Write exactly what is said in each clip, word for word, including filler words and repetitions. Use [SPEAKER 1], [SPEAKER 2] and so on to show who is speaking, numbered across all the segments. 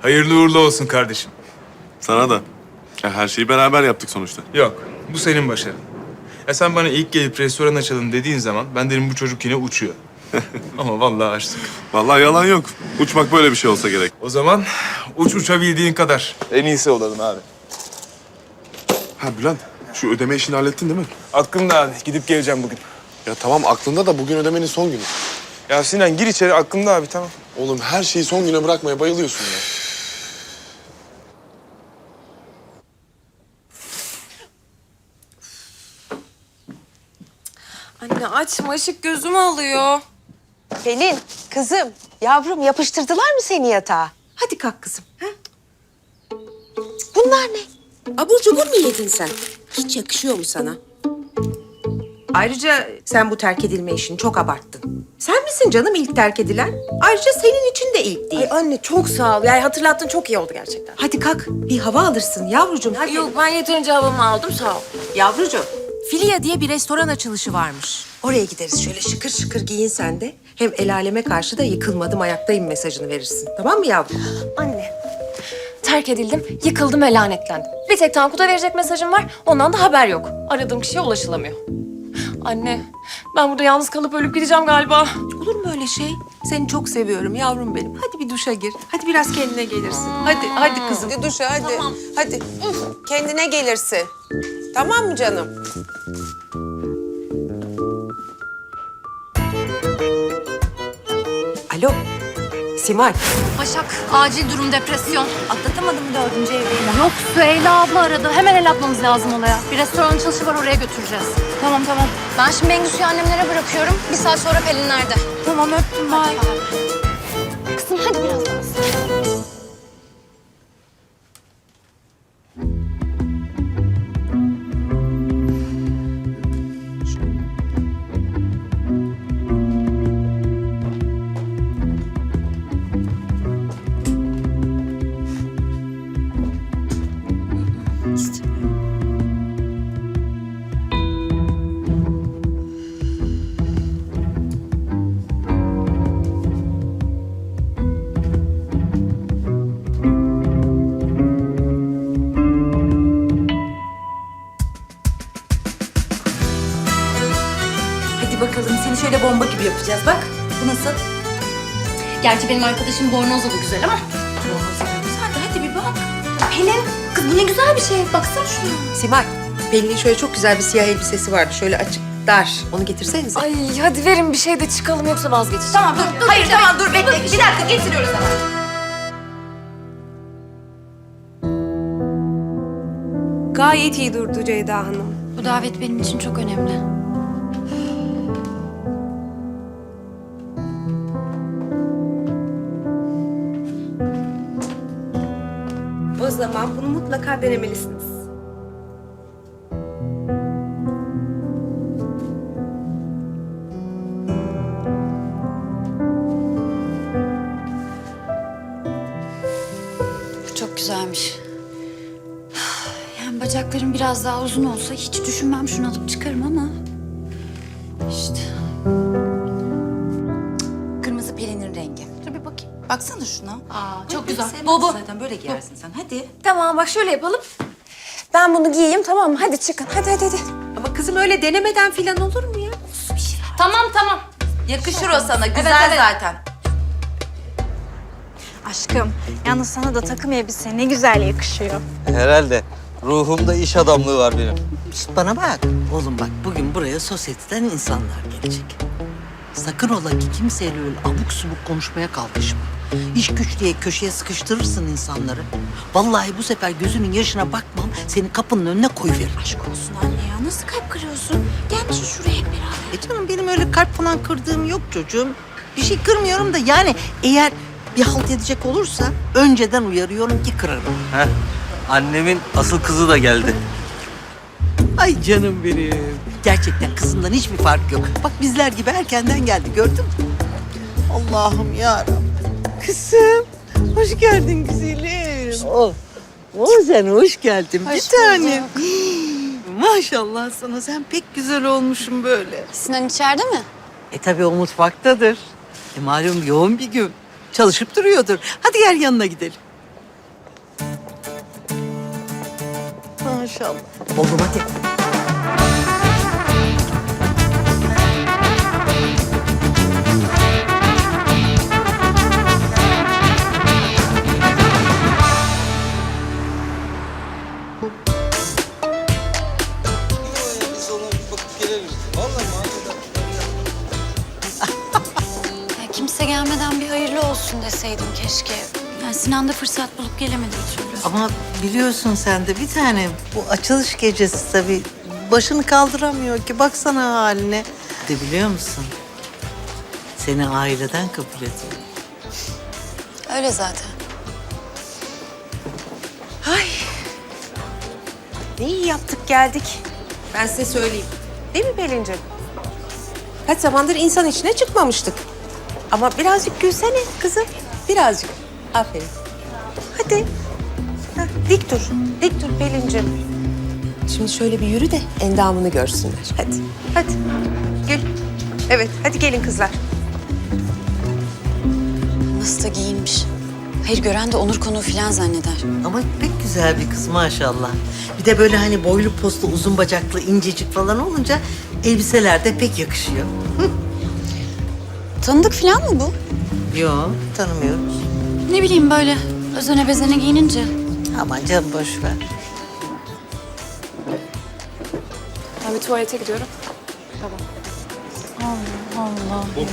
[SPEAKER 1] Hayırlı uğurlu olsun kardeşim.
[SPEAKER 2] Sana da. Ya her şeyi beraber yaptık sonuçta.
[SPEAKER 1] Yok, bu senin başarın. Ya sen bana ilk gelip restoran açalım dediğin zaman ben dedim bu çocuk yine uçuyor. Ama vallahi açtık.
[SPEAKER 2] Vallahi yalan yok. Uçmak böyle bir şey olsa gerek.
[SPEAKER 1] O zaman uç uçabildiğin kadar. En iyisi olalım abi.
[SPEAKER 2] Ha Bülent, şu ödeme işini hallettin değil mi?
[SPEAKER 1] Aklımda abi, gidip geleceğim bugün.
[SPEAKER 2] Ya tamam aklında da bugün ödemenin son günü.
[SPEAKER 1] Ya Sinan gir içeri, aklımda abi, tamam.
[SPEAKER 2] Oğlum her şeyi son güne bırakmaya bayılıyorsun ya.
[SPEAKER 3] Anne açma, ışık gözümü alıyor.
[SPEAKER 4] Pelin, kızım, yavrum yapıştırdılar mı seni yatağa?
[SPEAKER 5] Hadi kalk kızım. Ha?
[SPEAKER 4] Bunlar ne?
[SPEAKER 5] Abur cubur mu yedin sen? Hiç yakışıyor mu sana? Ayrıca sen bu terk edilme işini çok abarttın. Sen misin canım ilk terk edilen? Ayrıca senin için de ilk değil.
[SPEAKER 3] Ay anne çok sağ ol. Yani hatırlattın, çok iyi oldu gerçekten.
[SPEAKER 5] Hadi kalk, bir hava alırsın yavrucuğum. Hadi.
[SPEAKER 3] Yok ben yeterince havamı aldım, sağ ol.
[SPEAKER 5] Yavrucuğum, Filia diye bir restoran açılışı varmış. Oraya gideriz, şöyle şıkır şıkır giyin sen de. Hem el aleme karşı da yıkılmadım, ayaktayım mesajını verirsin. Tamam mı yavrum?
[SPEAKER 3] Anne, terk edildim, yıkıldım ve lanetlendim. Bir tek Tankut'a verecek mesajım var, ondan da haber yok. Aradığım kişiye ulaşılamıyor. Anne, ben burada yalnız kalıp ölüp gideceğim galiba.
[SPEAKER 5] Olur mu öyle şey? Seni çok seviyorum yavrum benim. Hadi bir duşa gir. Hadi biraz kendine gelirsin. Hadi, hadi kızım.
[SPEAKER 4] Hadi duşa hadi.
[SPEAKER 3] Tamam.
[SPEAKER 4] Hadi. Kendine gelirsin. Tamam mı canım?
[SPEAKER 5] Alo, Simay.
[SPEAKER 6] Başak, acil durum depresyon. Atlatamadım dördüncü evliliğini. Yok, Süheyla abla aradı. Hemen el atmamız lazım olaya. Bir restoran açılışı var, oraya götüreceğiz. Tamam, tamam. Ben şimdi Bengüsü'yü annemlere bırakıyorum. Bir saat sonra Pelin nerede? Tamam, öptüm. Bye. Kızım hadi biraz daha.
[SPEAKER 5] Hadi bakalım seni şöyle bomba gibi yapacağız bak. Bu nasıl?
[SPEAKER 6] Gerçi benim arkadaşım bornozla da güzel ama.
[SPEAKER 5] Güzel de hadi bir bak.
[SPEAKER 6] Pelin, kız bu ne güzel bir şey. Baksana şuna.
[SPEAKER 5] Simay, Pelin'in şöyle çok güzel bir siyah elbisesi vardı. Şöyle açık, dar. Onu getirsenize.
[SPEAKER 3] Ay hadi verin bir şey de çıkalım, yoksa vazgeçeceğim.
[SPEAKER 6] Tamam, dur, dur. Hayır, tamam, dur. Bekle. Bir dakika, getiriyoruz hemen.
[SPEAKER 7] Gayet iyi durdu Ceyda Hanım.
[SPEAKER 6] Bu davet benim için çok önemli.
[SPEAKER 7] O zaman bunu mutlaka denemelisiniz.
[SPEAKER 6] Bu çok güzelmiş. Yani bacaklarım biraz daha uzun olsa hiç düşünmem, şunu alıp çıkarım ama... işte.
[SPEAKER 8] Kırmızı Pelin'in rengi. Dur bir bakayım. Baksana şuna.
[SPEAKER 6] Aa, çok güzel.
[SPEAKER 8] Sevmezsin
[SPEAKER 6] Bu, bu.
[SPEAKER 8] Zaten böyle giyersin sen. Hadi.
[SPEAKER 3] Tamam bak şöyle yapalım. Ben bunu giyeyim, tamam mı? Hadi çıkın, hadi hadi hadi.
[SPEAKER 5] Ama kızım öyle denemeden filan olur mu ya?
[SPEAKER 6] Tamam, tamam.
[SPEAKER 8] Yakışır o sana. Güzel
[SPEAKER 6] evet.
[SPEAKER 8] zaten.
[SPEAKER 9] Aşkım, yalnız sana da takım elbise ne güzel yakışıyor.
[SPEAKER 10] Herhalde. Ruhumda iş adamlığı var benim.
[SPEAKER 11] Şişt, bana bak. Oğlum bak, bugün buraya sosyeteden insanlar gelecek. Sakın ola ki kimseyle öyle abuk subuk konuşmaya kalkışma. İş güç diye köşeye sıkıştırırsın insanları. Vallahi bu sefer gözünün yaşına bakmam, seni kapının önüne koyuveririm.
[SPEAKER 8] Aşk olsun anne ya. Nasıl kalp kırıyorsun? Gelmişsin şuraya hep beraber.
[SPEAKER 11] E canım, benim öyle kalp falan kırdığım yok çocuğum. Bir şey kırmıyorum da yani eğer bir halt edecek olursa önceden uyarıyorum ki kırarım.
[SPEAKER 10] Heh. Annemin asıl kızı da geldi.
[SPEAKER 11] Ay canım benim. Gerçekten kızından hiçbir fark yok. Bak bizler gibi erkenden geldi, gördün mü? Allah'ım yarabbim. Kızım, hoş geldin güzelim. Oh, oh sen hoş geldin bir tanem. Maşallah sana, sen pek güzel olmuşsun böyle.
[SPEAKER 6] Sinan içeride mi?
[SPEAKER 11] E tabii o mutfaktadır. E malum yoğun bir gün. Çalışıp duruyordur. Hadi gel yanına gidelim. maşallah. Oğlum hadi.
[SPEAKER 10] Biz ona bir bakıp gelelim. Vallahi
[SPEAKER 6] Ya kimse gelmeden bir hayırlı olsun deseydim keşke. Yani Sinan da fırsat bulup gelemedi bir türlü.
[SPEAKER 11] Ama biliyorsun sen de bir tane bu açılış gecesi tabii başını kaldıramıyor ki. Baksana haline. De biliyor musun? Seni aileden kabul ediyor.
[SPEAKER 6] Öyle zaten.
[SPEAKER 5] Ay. Ne iyi yaptık geldik. Ben size söyleyeyim. Değil mi Pelin'cim? Kaç zamandır insan içine çıkmamıştık. Ama birazcık gülsene kızım. Birazcık. Aferin. Hadi. Heh, dik dur. Dik dur Pelin'cim. Şimdi şöyle bir yürü de endamını görsünler. Hadi. Hadi. Gel. Evet. Hadi gelin kızlar.
[SPEAKER 6] Nasıl da giyinmiş. Hayır gören de onur konuğu falan zanneder.
[SPEAKER 11] Ama pek güzel bir kız maşallah. Bir de böyle hani boylu postlu, uzun bacaklı, incecik falan olunca elbiseler de pek yakışıyor.
[SPEAKER 6] Tanıdık falan mı bu?
[SPEAKER 11] Yok, tanımıyoruz.
[SPEAKER 6] Ne bileyim böyle özene bezene giyinince.
[SPEAKER 11] Aman canım boş ver.
[SPEAKER 3] Ben bir tuvalete gidiyorum. Tamam.
[SPEAKER 6] Allah Allah ya.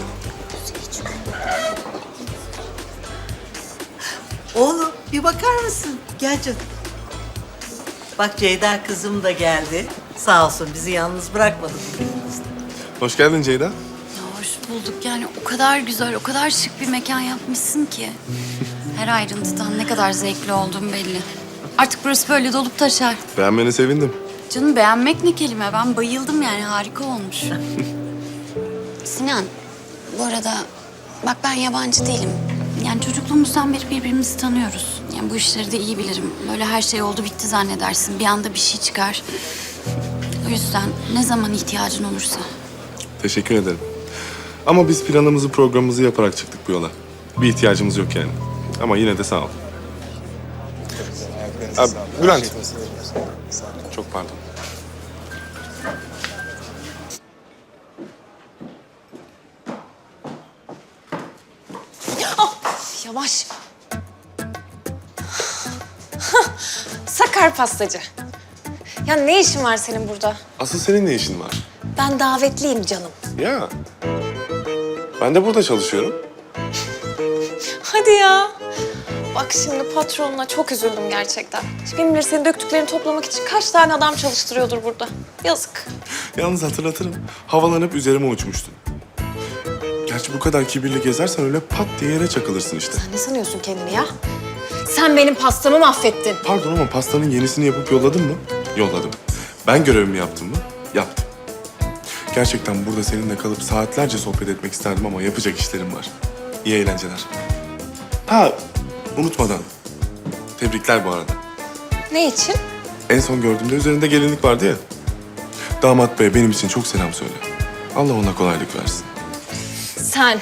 [SPEAKER 11] Oğlum bir bakar mısın? Gel canım. Bak Ceyda kızım da geldi. Sağ olsun bizi yalnız bırakmadı.
[SPEAKER 2] Hoş geldin Ceyda.
[SPEAKER 6] Ya hoş bulduk yani o kadar güzel, o kadar şık bir mekan yapmışsın ki. Her ayrıntıdan ne kadar zevkli olduğum belli. Artık burası böyle dolup taşar.
[SPEAKER 2] Beğenmene sevindim.
[SPEAKER 6] Canım beğenmek ne kelime? Ben bayıldım yani harika olmuş. Sinan, bu arada bak ben yabancı değilim. Yani çocukluğumuzdan beri birbirimizi tanıyoruz. Yani bu işleri de iyi bilirim. Böyle her şey oldu bitti zannedersin. Bir anda bir şey çıkar. O yüzden ne zaman ihtiyacın olursa.
[SPEAKER 2] Teşekkür ederim. Ama biz planımızı, programımızı yaparak çıktık bu yola. Bir ihtiyacımız yok yani. Ama yine de sağ ol. Abi, Bülent. Çok pardon.
[SPEAKER 3] Yavaş. Sakar pastacı. Ya ne işin var senin burada?
[SPEAKER 2] Asıl senin ne işin var?
[SPEAKER 3] Ben davetliyim canım.
[SPEAKER 2] Ya. Ben de burada çalışıyorum.
[SPEAKER 3] Hadi ya. Bak şimdi patronuna çok üzüldüm gerçekten. Kim bilir senin döktüklerini toplamak için kaç tane adam çalıştırıyordur burada. Yazık.
[SPEAKER 2] Yalnız hatırlatırım. Havalanıp üzerime uçmuştun. Gerçi bu kadar kibirli gezersen öyle pat diye yere çakılırsın işte.
[SPEAKER 3] Sen ne sanıyorsun kendini ya? Sen benim pastamı mahvettin.
[SPEAKER 2] Pardon ama pastanın yenisini yapıp yolladın mı? Yolladım. Ben görevimi yaptım mı? Yaptım. Gerçekten burada seninle kalıp saatlerce sohbet etmek isterdim ama yapacak işlerim var. İyi eğlenceler. Ha, unutmadan. Tebrikler bu arada.
[SPEAKER 3] Ne için?
[SPEAKER 2] En son gördüğümde üzerinde gelinlik vardı ya. Damat bey benim için çok selam söyle. Allah ona kolaylık versin.
[SPEAKER 3] Sen...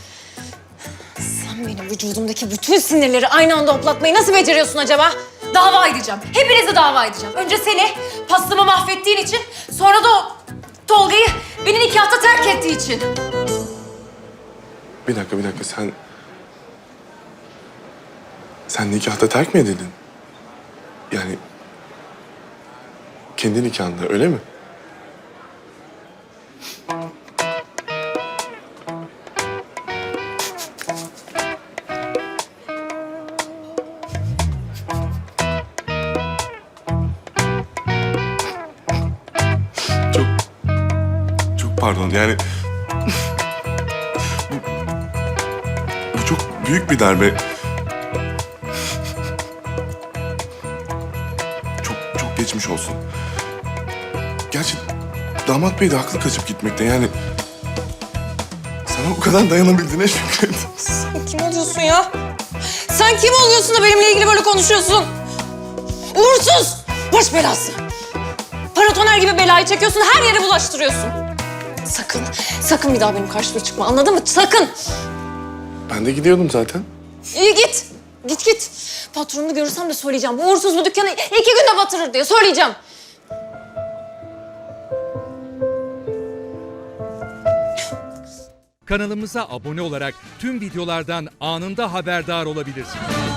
[SPEAKER 3] Sen benim vücudumdaki bütün sinirleri aynı anda hoplatmayı nasıl beceriyorsun acaba? Dava edeceğim. Hepinizi dava edeceğim. Önce seni pastamı mahvettiğin için, sonra da o Tolga'yı beni nikahta terk ettiği için.
[SPEAKER 2] Bir dakika, bir dakika. Sen... Sen nikahta terk mi edildin? Yani... Kendi nikahında, öyle mi? Çok... Çok pardon, yani... bu, bu çok büyük bir darbe. Çok, çok geçmiş olsun. Gerçi damat bey de haklı kaçıp gitmekte, yani... Sana bu kadar dayanabildiğine şükret.
[SPEAKER 3] Sen kim oluyorsun ya? Sen kim oluyorsun da benimle ilgili böyle konuşuyorsun? Uğursuz! Baş belası! Paratoner gibi belayı çekiyorsun, her yere bulaştırıyorsun. Sakın, sakın bir daha benim karşıma çıkma, anladın mı? Sakın!
[SPEAKER 2] Ben de gidiyordum zaten.
[SPEAKER 3] İyi git. Git git. Patronunu görürsem de söyleyeceğim. Bu uğursuz bu dükkanı iki günde batırır diye söyleyeceğim.
[SPEAKER 12] Kanalımıza abone olarak tüm videolardan anında haberdar olabilirsiniz.